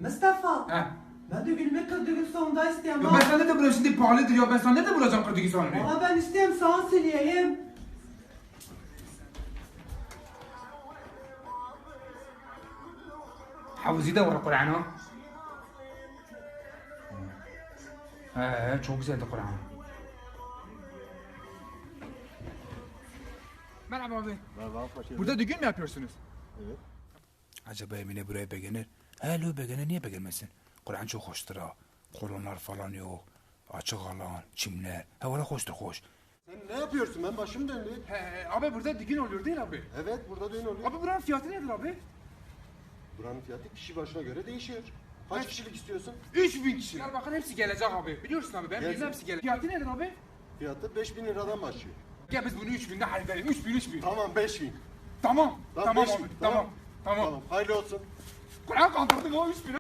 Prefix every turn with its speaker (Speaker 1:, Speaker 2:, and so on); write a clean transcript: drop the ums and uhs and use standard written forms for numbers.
Speaker 1: Mustafa.
Speaker 2: He.
Speaker 1: Ben de gülme kırdığı sonunda isteyeyim.
Speaker 2: Ya ben sana nerede bulacağım şimdi pahalıdır ya ben sana nerede bulacağım kırdığı sonunu?
Speaker 1: Ama ben isteyeyim sana söyleyeyim.
Speaker 2: Havuzi de var Kur'an'a. Çok güzeldi Kur'an. Merhaba abi.
Speaker 3: Merhaba, hoş geldin.
Speaker 2: Burada düğün mü yapıyorsunuz?
Speaker 3: Evet.
Speaker 2: Acaba Emine buraya beğenir? He beğenir niye beğenmesin? Kur'an çok hoştur ha. Kolonlar falan yok. Açık alan, çimler. Ha valla hoştur hoş.
Speaker 3: Sen ne yapıyorsun? Ben başım döndü.
Speaker 2: He abi burada düğün oluyor değil abi?
Speaker 3: Evet, burada düğün oluyor.
Speaker 2: Abi buranın fiyatı nedir abi?
Speaker 3: Buranın fiyatı kişi başına göre değişiyor. Kaç kişilik istiyorsun?
Speaker 2: 3000 kişiler bakın hepsi gelecek abi. Biliyorsun abi ben
Speaker 3: Gelsin.
Speaker 2: bilmem hepsi gelecek. Fiyatı nedir abi?
Speaker 3: Fiyatı 5000 liradan başlıyor.
Speaker 2: Gel biz bunu 3000'de halledelim. 3000.
Speaker 3: Tamam, 5000.
Speaker 2: Tamam.
Speaker 3: Lan
Speaker 2: Tamam
Speaker 3: 5000,
Speaker 2: abi. Tamam.
Speaker 3: Tamam, hayırlı olsun.
Speaker 2: Kur'an kandırdım o 3000.